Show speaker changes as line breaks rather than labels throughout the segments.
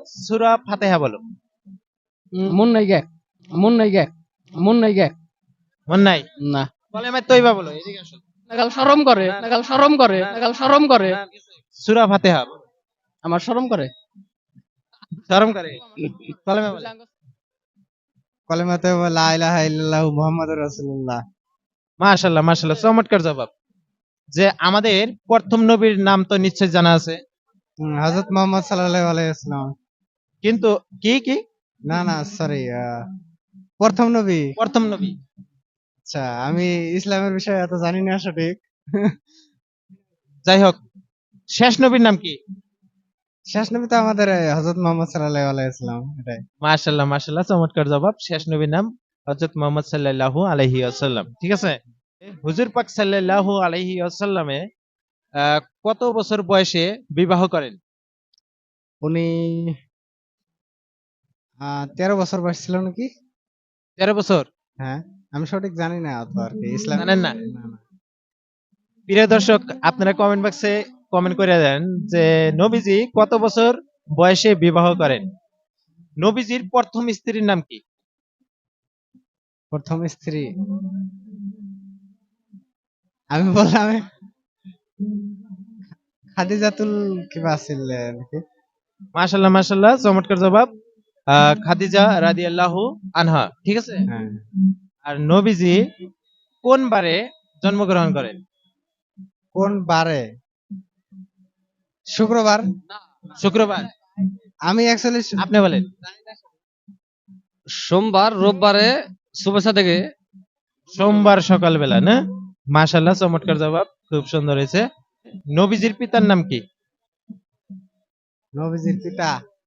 সূরা ফাতিহা বলো।
মন নাই গে মন নাই গে মন নাই গে
মন নাই?
না
কলেমা তৈবা বলো, এদিকে আসো।
নাগাল শরম করে নাগাল শরম করে নাগাল শরম করে
সূরা ফাতিহা বলো।
আমার শরম করে
শরম করে? কলেমা বলো।
কলেমাতে লা ইলাহা ইল্লাল্লাহু মুহাম্মাদুর রাসূলুল্লাহ।
মাশাআল্লাহ মাশাআল্লাহ, চমৎকার জবাব। যে আমাদের প্রথম নবীর নাম তো নিশ্চয় জানা আছে,
হযরত মুহাম্মদ সাল্লাল্লাহু আলাইহি ওয়াসাল্লাম।
কিন্তু কি কি
না না সরি, প্রথম নবী।
প্রথম নবী?
আচ্ছা, আমি ইসলামের বিষয়ে এত জানি না সঠিক।
যাই হোক, শেষ নবীর নাম কি?
শেষ নবী তো আমাদের হযরত মুহাম্মদ সাল্লাল্লাহু আলাইহি ওয়াসাল্লাম, এটাই।
মাশাআল্লাহ মাশাআল্লাহ, চমৎকার জবাব। শেষ নবীর নাম হযরত মুহাম্মদ সাল্লাল্লাহু আলাইহি ওয়াসাল্লাম। ঠিক আছে। হুজুর পাক সাল্লাল্লাহু আলাইহি ওয়াসাল্লামে কত বছর বয়সে বিবাহ করেন?
উনি 13 বছর বয়স ছিল নাকি?
13 বছর?
হ্যাঁ, আমি সঠিক জানি না অত আর কি, ইসলাম
জানেন না?
না না।
প্রিয় দর্শক, আপনারা কমেন্ট বক্সে কমেন্ট করে দেন যে নবীজি কত বছর বয়সে বিবাহ করেন। নবীজির প্রথম স্ত্রীর নাম কি?
প্রথম স্ত্রী আমি বললাম খাদিজাতুল কিবা ছিল নাকি?
মাশাআল্লাহ মাশাআল্লাহ, চমৎকার জবাব। খাদিজা রাদিয়াল্লাহু আনহা। ঠিক আছে।
হ্যাঁ।
আর নবীজি কোন বারে জন্মগ্রহণ করেন?
কোন বারে? শুক্রবার।
শুক্রবার?
আমি অ্যাকচুয়ালি
আপনি বলেন।
সোমবার রোববারে শুভেচ্ছা থেকে
সোমবার সকালবেলা না? মাশাআল্লাহ, চমৎকার জবাব, খুব সুন্দর হয়েছে। নবীজির পিতার নাম কি?
নবীজির পিতা,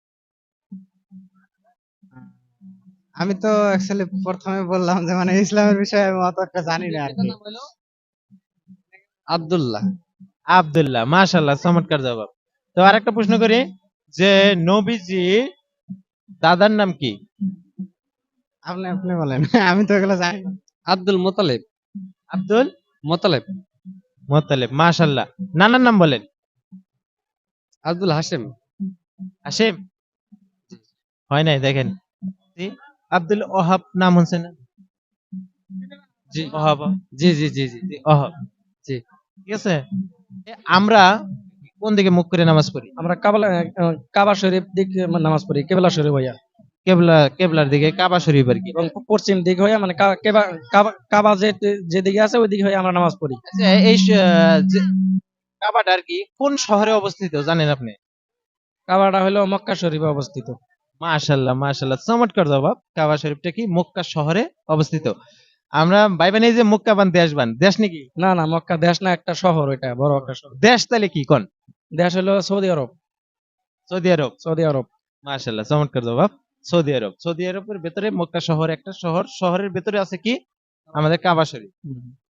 আমি তো অ্যাকচুয়ালি প্রথমে বললাম যে মানে ইসলামের বিষয়ে আমি অত একটা জানি না আর কি।
আব্দুল্লাহ
আব্দুল্লাহ। মাশাআল্লাহ, চমৎকার জবাব। তো আরেকটা প্রশ্ন করি যে নবীজি দাদার নাম কি?
আপনি আপনি বলেন আমি তো এগুলো জানি না।
আব্দুল মোতালেব
আব্দুল
মোতালেব
মোত্তালেব। মাশাআল্লাহ। নানার নাম বলেন।
আব্দুল হাশেম
হাশিম? হয় নাই, দেখেন। জি, আব্দুল ওহাব নাম শুনছেন না?
জি
ওহাব।
জি জি জি জি
জি, ওহাব।
জি
ঠিক আছে। আমরা কোন দিকে মুখ করে নামাজ পড়ি?
আমরা কাবা শরীফ দিক নামাজ পড়ি কেবলা শরীফ হইয়া
কেবলার দিকে, কাবা শরীফ আর কি।
এবং পশ্চিম দিক হইয়া মানে কাবা যে দিকে আছে ওই দিকে হইয়া আমরা নামাজ পড়ি।
আচ্ছা, এই কাবাটা আর কি কোন শহরে অবস্থিত জানেন আপনি?
কাবাটা হলো মক্কা শরীফে অবস্থিত।
মাশাআল্লাহ মাশাআল্লাহ, চমৎকার জবাব। কাবা শরীফটা কি মক্কা শহরে অবস্থিত। আমরা ভাইবেন এই যে মক্কাবান দেশবান, দেশ নাকি?
না না, মক্কা দেশ না, একটা শহর, ওইটা বড় একটা শহর।
দেশ তাহলে কি কোন?
দেশ হলো সৌদি আরব।
সৌদি আরব?
সৌদি আরব।
মাশাআল্লাহ, চমৎকার জবাব। সৌদি আরব। সৌদি আরবের ভেতরে মক্কা শহর একটা শহর, শহরের ভেতরে আছে কি আমাদের কাবা শরীফ।